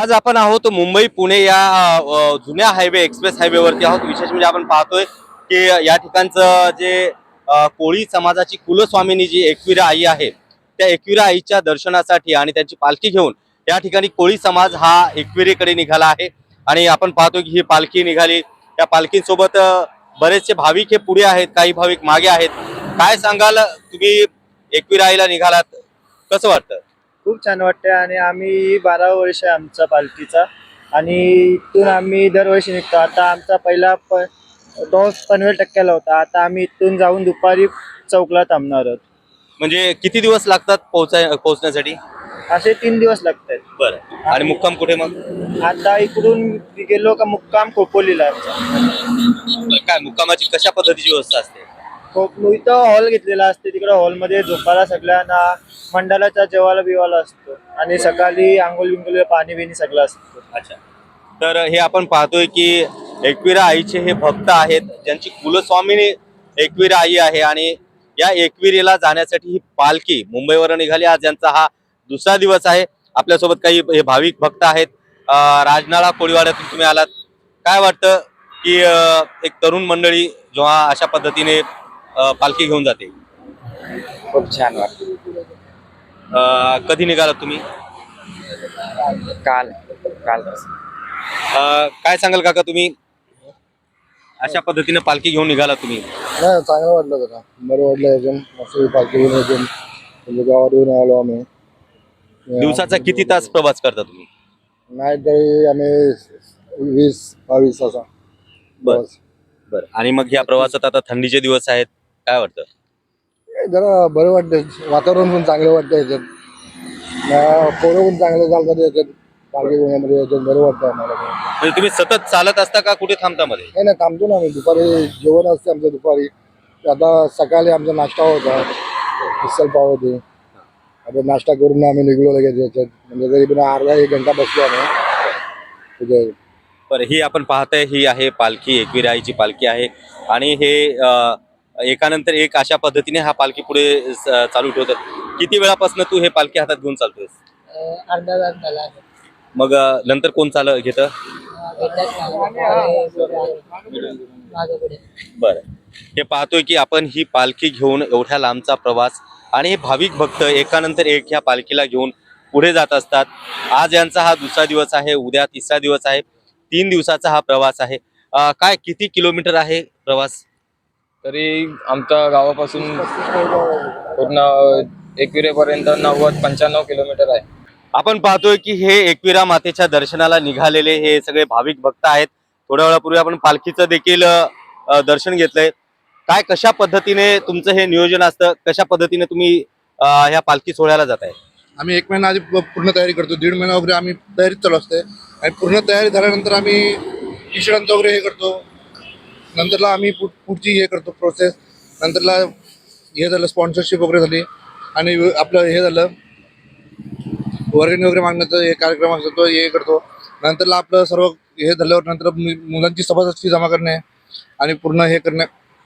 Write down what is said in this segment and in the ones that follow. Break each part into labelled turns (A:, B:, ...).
A: आज आपण आहोत मुंबई पुणे या जुन्या हायवे एक्सप्रेस हायवेवरती आहोत। विशेष म्हणजे आपण पाहतोय की या ठिकाणचं जे कोळी समाजाची कुलस्वामिनी जी एकविरा आई आहे, त्या एकविरा आईच्या दर्शनासाठी आणि त्यांची पालखी घेऊन या ठिकाणी कोळी समाज हा एकविरेकडे निघाला आहे। आणि आपण पाहतोय की ही पालखी निघाली, त्या पालखीसोबत बरेचसे भाविक हे पुढे आहेत, काही भाविक मागे आहेत। काय सांगाल तुम्ही, एकविरा आईला निघालात, कसं वाटतं?
B: खूप छान वाटते आणि आम्ही 12 वर्ष आहे आमचा पालखीचा आणि इथून आम्ही दरवर्षी निघतो। आता आमचा पहिला तो पनवेल टक्क्याला होता। आता आम्ही इथून जाऊन दुपारी चौकला थांबणार आहोत।
A: म्हणजे किती दिवस लागतात पोहोचण्यासाठी?
B: असे 3 दिवस लागतात।
A: बरं, आणि मुक्काम कुठे मग?
B: आता इकडून गेलो का मुक्काम खोपोलीला आमचा।
A: बरं, काय मुक्कामाची कशा पद्धतीची व्यवस्था असते?
B: इथं हॉल घेतलेला असते, तिकडे हॉलमध्ये झोपायला सगळ्यांना, मंडळाचा जेवायला बिवायला असतो आणि सकाळी आंघोळ बिंगोळ पाणी बिणी सगळं असतं।
A: अच्छा, तर हे आपण पाहतोय की एकविरा आईचे हे भक्त आहेत, ज्यांची कुलस्वामिनी एकविरा आई आहे। आणि या एकविरेला जाण्यासाठी ही पालखी मुंबईवर निघाली। आज यांचा हा दुसरा दिवस आहे। आपल्यासोबत काही हे भाविक भक्त आहेत। राजनाळा कोळीवाड्यातून तुम्ही आलात, काय वाटतं की एक तरुण मंडळी जेव्हा अशा पद्धतीने पालखी घेऊन जाते?
C: खूप छान वाटतं।
A: कधी निघालात तुम्ही?
C: काल काल
A: काय सांगाल काका, तुम्ही अशा पद्धतीने पालखी घेऊन निघाला तुम्ही?
D: नाही, चांगलं वाटलं जरा, बरं वाटलं एकदम। मस्त पालखी घेऊन एकदम म्हणजे गावातून आलो आम्ही।
A: दिवसाचा किती तास प्रवास करता तुम्ही?
D: नाही तरी आम्ही 20-22 असा प्रवास।
A: बरं, आणि मग या प्रवासात आता थंडीचे दिवस आहेत, काय वाटतं?
D: जरा बरं वाटतं, वातावरण पण चांगलं वाटतं याच्यात, पोरं पण चांगलं चालतात याच्यात, पालखी घेण्यामध्ये याच्यात बरं वाटतं आम्हाला।
A: म्हणजे तुम्ही सतत चालत असता का कुठे थांबता मध्ये?
D: नाही नाही, थांबतो ना आम्ही, दुपारी जेवण असते आमचं दुपारी। आता सकाळी आमचा नाश्ता होता, मिसल पाव होते। आता नाश्ता करून आम्ही निघलो लगेच याच्यात, म्हणजे तरी पण अर्धा 1 घंटा बसलो आम्ही तिथे।
A: बरं, ही आपण पाहताय ही आहे पालखी, एकविरा आईची पालखी आहे। आणि हे एकानंतर एक अशा पद्धतीने हा पालखी पुढे चालू ठेवतात। किती वेळापासून तू हे पालखी हातात घेऊन चालतोयस?
E: अर्धा तास झाला आहे।
A: मग नंतर कोण घेतं?
E: मागे पुढे
A: बरं, हे पाहतोय की आपण ही पालखी घेऊन एवढ्या लांबचा प्रवास, आणि हे भाविक भक्त एकानंतर एक ह्या पालखीला घेऊन पुढे जात असतात। आज यांचा हा दुसरा दिवस आहे, उद्या तिसरा दिवस आहे, 3 दिवसाचा हा प्रवास आहे। काय किती किलोमीटर आहे प्रवास?
C: तरी आमच्या गावापासून पूर्ण एकविरेपर्यंत 90-95 किलोमीटर आहे।
A: आपण पाहतोय की हे एकविरा मातेच्या दर्शनाला निघालेले हे सगळे भाविक भक्त आहेत। थोड्या वेळापूर्वी आपण पालखीचं देखील दर्शन घेतलंय। काय कशा पद्धतीने तुमचं हे नियोजन असतं, कशा पद्धतीने तुम्ही ह्या पालखी सोहळ्याला जाताय?
D: आम्ही 1 महिना आधी पूर्ण तयारी करतो, 1.5 महिना वगैरे आम्ही तयारीत चालू असते। आणि पूर्ण तयारी झाल्यानंतर आम्ही टी-शर्टांचं वगैरे हे करतो। नंतरला आम्ही पुढची हे करतो प्रोसेस। नंतरला हे झालं, स्पॉन्सरशिप वगैरे झाली आणि आपलं हे झालं, वर्गणी वगैरे मागण्याचा हे कार्यक्रम असतो, तो हे करतो। नंतरला आपलं सर्व हे झाल्यावर नंतर मुलांची सभासद फी जमा करणे आणि पूर्ण हे करणे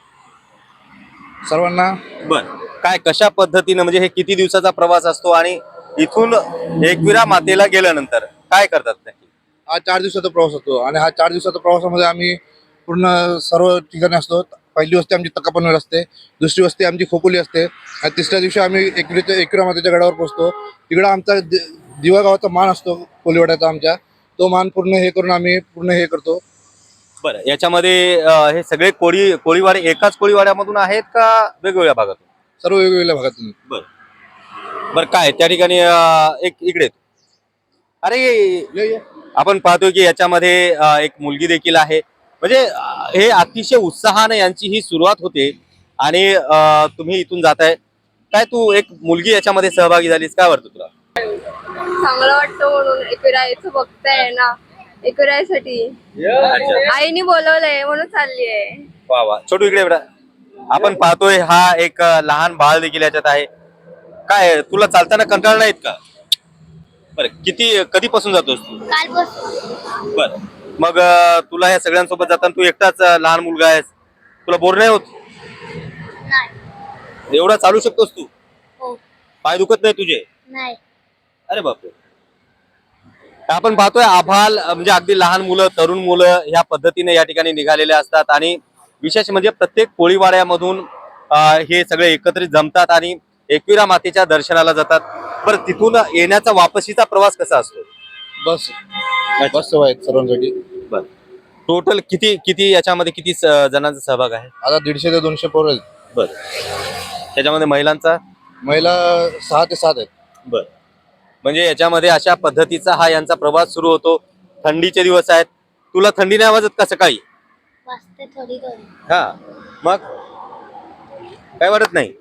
D: सर्वांना।
A: बरं, काय कशा पद्धतीने, म्हणजे हे किती दिवसाचा प्रवास असतो आणि इथून एकविरा मातेला गेल्यानंतर काय करतात नक्की?
D: हा 4 दिवसाचा प्रवास होतो आणि हा 4 दिवसाच्या प्रवासामध्ये आम्ही पूर्ण सर्व ठिकाणी असतो। पहिली वस्ती आमची तकापनवेल असते, दुसरी वस्ती आमची खोपोली असते आणि तिसऱ्या दिवशी आम्ही एकविरा मातेच्या गडावर पोहोचतो। तिकडं आमचा दिवा गावाचा मान असतो कोळीवाड्याचा आमच्या, तो मान पूर्ण हे करून आम्ही पूर्ण हे करतो।
A: बरं, याच्यामध्ये हे सगळे कोळीवाडे एकाच कोळीवाड्यामधून आहेत का वेगवेगळ्या भागातून?
D: सर्व वेगवेगळ्या भागातून।
A: बरं बरं, काय त्या ठिकाणी एक इकडे, अरे
D: ये
A: आपण पाहतोय की याच्यामध्ये एक मुलगी देखील आहे। म्हणजे हे अतिशय उत्साहाने यांची ही सुरुवात होते आणि तुम्ही इथून जाताय। काय तू एक मुलगी याच्यामध्ये सहभागी झालीस, काय वाटतं तुला?
F: चांगलं वाटतं म्हणून, एकविरायचं भक्त आहे ना, एकविरायसाठी आईने बोलवलंय म्हणून चालली आहे।
A: वा वा, छोटू इकडे बेटा। आपण पाहतोय हा एक लहान बाळ देखील याच्यात आहे। काय तुला चालताना कंटाळा नाहीत का? बरं, कधीपासून जातोस तू?
F: कालपासून।
A: बरं, मग तुला या सगळ्यांसोबत जाताना तू एकटाच लहान मुलगा आहेस, तुला बोर नाही होत?
F: नाही।
A: एवढा चालू शकतोस तू?
F: हो।
A: पाय दुखत नाही तुझे?
F: नाही।
A: अरे बापरे, आपण पाहतोय आभाल म्हणजे अगदी लहान मुलं तरुण मुलं ह्या पद्धतीने या ठिकाणी निघालेले असतात आणि विशेष म्हणजे प्रत्येक कोळीवाड्यामधून हे सगळे एकत्रित जमतात आणि एकविरा मातेच्या दर्शनाला जातात. बरं, तिथून येण्याचा वापसीचा प्रवास कसा असतो?
D: बस सेवा आहेत सर्वांसाठी.
A: बरं, टोटल किती याच्यामध्ये किती जणांचा सहभाग आहे?
D: आता 150 ते 200 पोरं आहेत.
A: बरं, त्याच्यामध्ये महिलांचा?
D: महिला 6 ते 7 आहेत.
A: बरं, म्हणजे याच्यामध्ये अशा पद्धतीचा हा यांचा प्रवास सुरू होतो. थंडीचे दिवस आहेत, तुला थंडी नाही वाजत का सकाळी?
G: वाजते थोडी थोडी.
A: हा, मग काय वाटत नाही?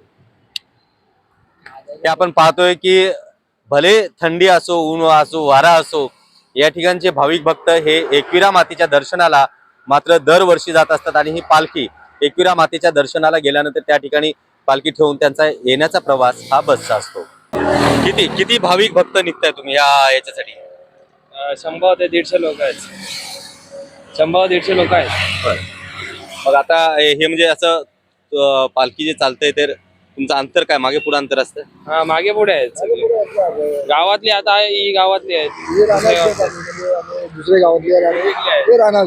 A: हे आपण पाहतोय की भले थंडी असो, ऊन असो, वारा असो, या ठिकाणचे भाविक भक्त हे एकविरा मातेच्या दर्शनाला मात्र दरवर्षी जात असतात आणि ही पालखी एकविरा मातेच्या दर्शनाला गेल्यानंतर त्या ठिकाणी पालखी ठेवून त्यांचा येण्याचा प्रवास हा बसचा असतो. किती भाविक भक्त निघताय तुम्ही याच्यासाठी?
C: 100 ते 150 लोक आहेत. 100 ते 150 लोक आहेत.
A: बरं, मग आता हे म्हणजे असं पालखी जे चालतंय तर तुमचं अंतर काय, मागे पुढे अंतर असतं?
C: हा, मागे पुढे आहेत सगळे गावातली. आता ही गावातली आहेत.
B: दुसरे गावातले ते राहणार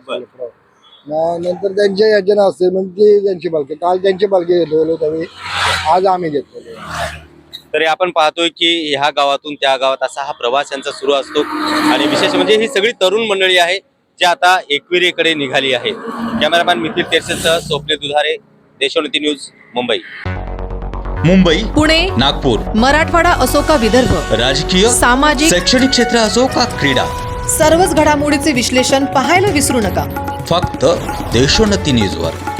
B: नंतर त्यांच्या याच्यानं असते म्हणजे त्यांची पालखी. काल त्यांची पालखी घेतलेलो त्यावेळी, आज आम्ही घेतलेलो.
A: तरी आपण पाहतोय की ह्या गावातून त्या गावात असा हा प्रवास यांचा सुरू असतो आणि विशेष म्हणजे ही सगळी तरुण मंडळी आहे जी आता एकविरेकडे निघाली आहे. कॅमेरामॅन मिथिल तेरसेसह स्वप्ने दुधारे, देशोन्नती न्यूज, मुंबई.
H: मुंबई,
I: पुणे,
H: नागपूर,
I: मराठवाडा असो का विदर्भ,
H: राजकीय,
I: सामाजिक,
H: शैक्षणिक क्षेत्र असो का क्रीडा,
I: सर्वच घडामोडीचे विश्लेषण पाहायला विसरू नका.
H: फक्त देशोन्नती न्यूजवर.